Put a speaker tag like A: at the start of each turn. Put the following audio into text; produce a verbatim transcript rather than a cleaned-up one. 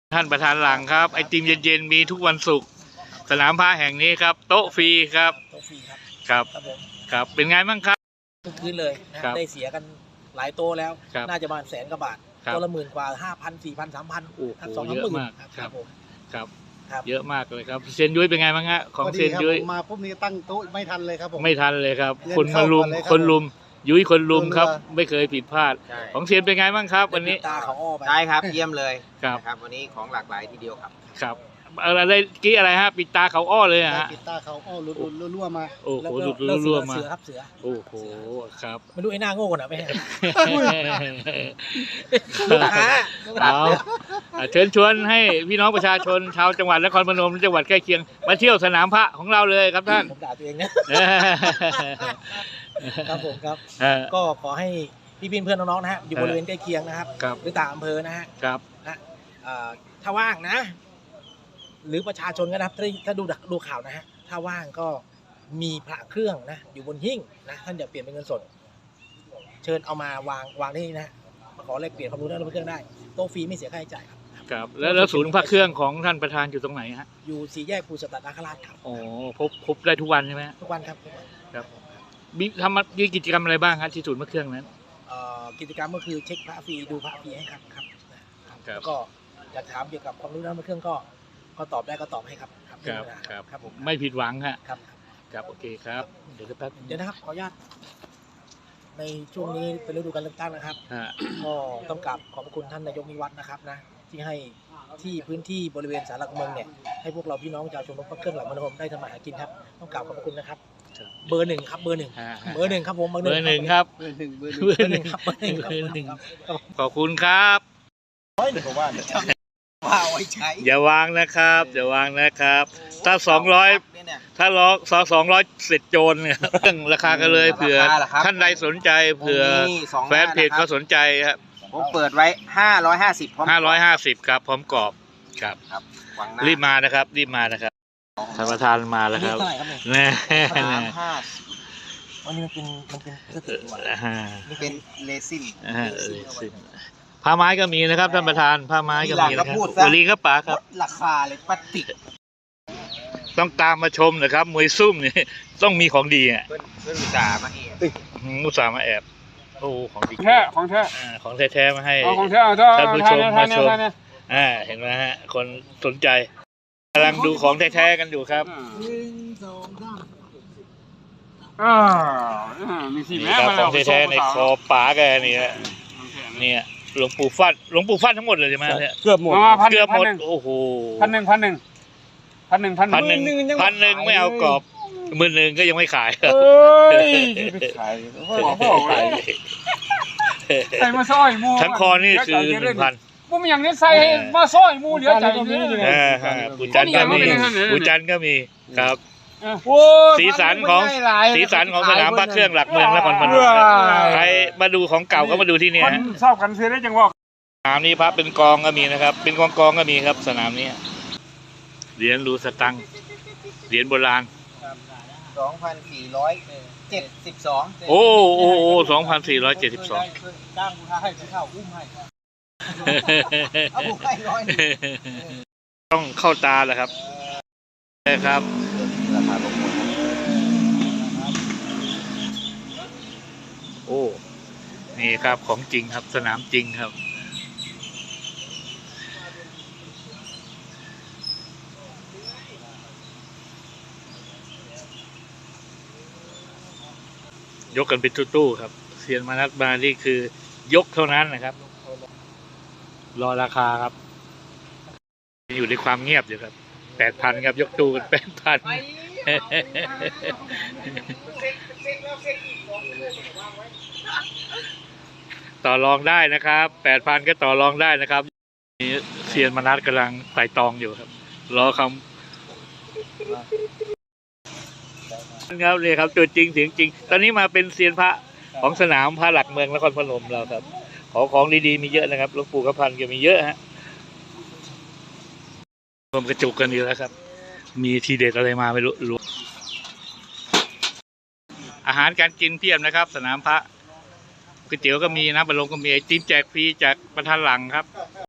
A: ท่านประธานหลังครับไอติมเย็นๆมีทุกวันศุกร์สนามพระแห่งนี้ครับโต๊ะฟรีครับ
B: โต๊ะฟรีครับ
A: ครับ
B: ครับผม
A: ครับเป็นไงบ้างครับ
B: ทุกคืนเลยนะได้เสียกันหลายโต๊ะแล้วน่าจะประมาณแสนกว่าบาทโต๊ะละหมื่นกว่าห้าพันสี่พันสามพันสองสามหมื่นครับผม
A: ครับเยอะมากเลยครับเซียนยุ้ยเป็นไงบ้างฮะของเซียนยุ้ย
C: มาปุ๊บนี้ตั้งโต๊ะไม่ทันเลยครับผม
A: ไม่ทันเลยครับคนมาลุมคนลุมยุ้ยคนลุมครับไม่เคยผิดพลาดของเซียนเป็นไงบ้างครับวันนี้
B: ตาเขาอ้อไป
D: ได้ครับเยี่ยมเลย
A: ครับ
D: ครับวันนี้ของหลากหลายทีเดียวครับ
A: ครับอะไรกี้อะไรฮะปิดตาเขาอ้อเลยฮะ
C: ปิดตาเขาอ้อหลุดรั่วมา
A: โอ้โหหลุดรั่วมา
B: เสือครับเสือ
A: โอ้โหครับ
B: ไม่รู้ไอ้หน้าโง่กันไหม
A: เอาเชิญชวนให้พี่น้องประชาชนชาวจังหวัดนครพนมและจังหวัดใกล้เคียงมาเที่ยวสนามพระของเราเลยครับท่าน
B: ผมด่าตัวเองนะครับผมครับก็ขอให้พี่พี่เพื่อนน้องๆนะฮะอยู่บริเวณใกล้เคียงนะครับหรือต่างอำเภอนะฮะ
A: ครับ
B: นะถ้าว่างนะหรือประชาชนก็นะครับถ้าถ้าดูดูข่าวนะฮะถ้าว่างก็มีพระเครื่องนะอยู่บนหิ้งนะท่านอยากเปลี่ยนเป็นเงินสดเชิญเอามาวางวางที่นี่นะมาขอแลกเปลี่ยนความรู้ด้านพระเครื่องได้โต๊ะฟรีไม่เสียค่าใช้จ่ายครับ
A: ครับแล้วแล้วศูนย์พระเครื่องของท่านประธานอยู่ตรงไหนฮะ
B: อยู่สี่แยกภูสตัดนาคราชครับ
A: อ๋อพบพบได้ทุกวันใช่ไหม
B: ทุกวันครับ
A: ครับมีทำมีกิจกรรมอะไรบ้างครับที่ศูนย์พระเครื่องนั้น
B: กิจกรรมก็คือเช็คพระฟรีดูพระฟรีให้ครับครับแล้วก็อยากถามเกี่ยวกับความรู้ด้านพระเครื่องก็ก็ตอบได้ก็ตอบให้ครับ
A: ครับครับครับผมไม่ผิดหวังฮะ
B: ครับ
A: ครับโอเคครับเดี๋ยวแป๊บ
B: เดี๋ยวนะครับขออนุญาตในช่วงนี้เป็นฤดูการเลือกตั้งนะครับก็ต้องกราบขอบคุณท่านนายกนิวัฒน์นะครับนะที่ให้ที่พื้นที่บริเวณศาลหลักเมืองเนี่ยให้พวกเราพี่น้องชาวชุมชนพระเครื่องหลักเมืองได้ทำมาหากินครับต้องกราบขอบคุณนะครับเบอร์หนึ่งครับเบอร์หนึ่งเบอร์หนึ่งครับผม
A: เบอร์หนึ่งครับ
C: เบอร์หนึ่งเบอร์
B: หนึ่งครับเบอร์หนึ่งเบอร์หนึ่ง
A: ขอบคุณครับ
D: ว่าไว้ใช้
A: อย่าวางนะครับอย่าวางนะครับถ้าสองร้อยถ้าล้อสองสองร้อยเสร็จโจรเนี่ยเรื่องราคากันเลยเผื่อท่านใดสนใจเผื่อแฟนเพจเขาสนใจครับ
D: ผมเปิดไว้ห้าร้อยห้าสิบ
A: ห้าร้อยห้าสิบครับพร้อมกรอบครับรีบมานะครับรีบมานะครับท่านประธานมาแล้วครับ
B: แน่
D: วันนี้มันเป็นมันเป็นสตินี่เป็นเลซิน
A: ผ้าไม้ก็มีนะครับท่านประธานผ้าไม้ก็มีนะครับบุรีครับป๋าครับ
D: ราคาเลยปฏิก
A: ต้องตามมาชมนะครับมวยซุ่มนี่ต้องมีของดีอ่ะ
D: เพื่อนอุตส่าห์มาแอบ
A: อุตส่าห์มาแอบโอ้ของดี
E: แท้ของแท้
A: ของแท้ๆมาให้
E: ของแท้
A: ท่านผู้ชมมาชมอ่าเห็นไหมฮะคนสนใจกำลังดูของแท้ๆกันอยู่ครับ
E: อ่ามีสีแม่มา
A: ของแท้ๆในคอป๋าแกนี่ฮะเนี่ยหลวงปู่ฟัดหลวงปู่ฟัดทั้งหมดเลยใช่ไหมเนี่ย
E: เกือบหมด
A: เกือบหมดโอ้โห
E: พันหนึ่งพันหนึ่งพันหนึ่งพันหนึ่ง
A: พันหนึ่งไม่เอากรอบหมื่นหนึ่งก็ยังไม่ขายครับ
E: ขายใส่มาซอยมู
A: ทั้งคอนี่คือหนึ่งพัน
E: มูมีอย่างนี้ใส่มาซอยมูเหลือใจ
A: ปูจันก็มีปูจันก็มีครับสีสันของสีสันของสนามพระเครื่องหลักเมืองนครพนมใครมาดูของเก่าก็มาดูที่นี่ฮะ
E: ชอบกันเสียได้จังหวะ
A: สนามนี้พระเป็นกองก็มีนะครับเป็นกองกองก็มีครับสนามนี้เหรียญรูสตังเหรียญโบราณ
D: สองพันสี่ร้อยเจ็ดสิบสอง
A: โอ้โอ้โอ้สองพันสี่ร้อยเจ็ดสิบสอง
B: จ้างผู้ให้เข้าอุ้มให้
D: เอาผู้ให้ร้อย
A: ต้องเข้าตาแหละครับใช่ครับ
D: ราคาลงหมด
A: โอ้นี่ครับของจริงครับสนามจริงครับยกกันเป็นตู้ๆครับเซียนมานัดมานี่คือยกเท่านั้นนะครับรอราคาครับอยู่ในความเงียบอยู่ครับแปดพันครับยกตู้กันแปดพันต่อรองได้นะครับแปดพันก็ต่อรองได้นะครับเซียนมานัดกำลังไต่ตองอยู่ครับรอคำครับเลยครับตัวจริงเสียงจริงตอนนี้มาเป็นเซียนพระของสนามพระหลักเมืองนครพนมเราครับของของดีๆมีเยอะนะครับหลวงปู่กระพันก็มีเยอะฮะรวมกระจุกกันอยู่แล้วครับมีทีเด็ดอะไรมาไม่รู้รู้อาหารการกินเพียบนะครับสนามพระก๋วยเตี๋ยวก็มีนะบะหลงก็มีไอติมแจกฟรีจากประธานหลังครับ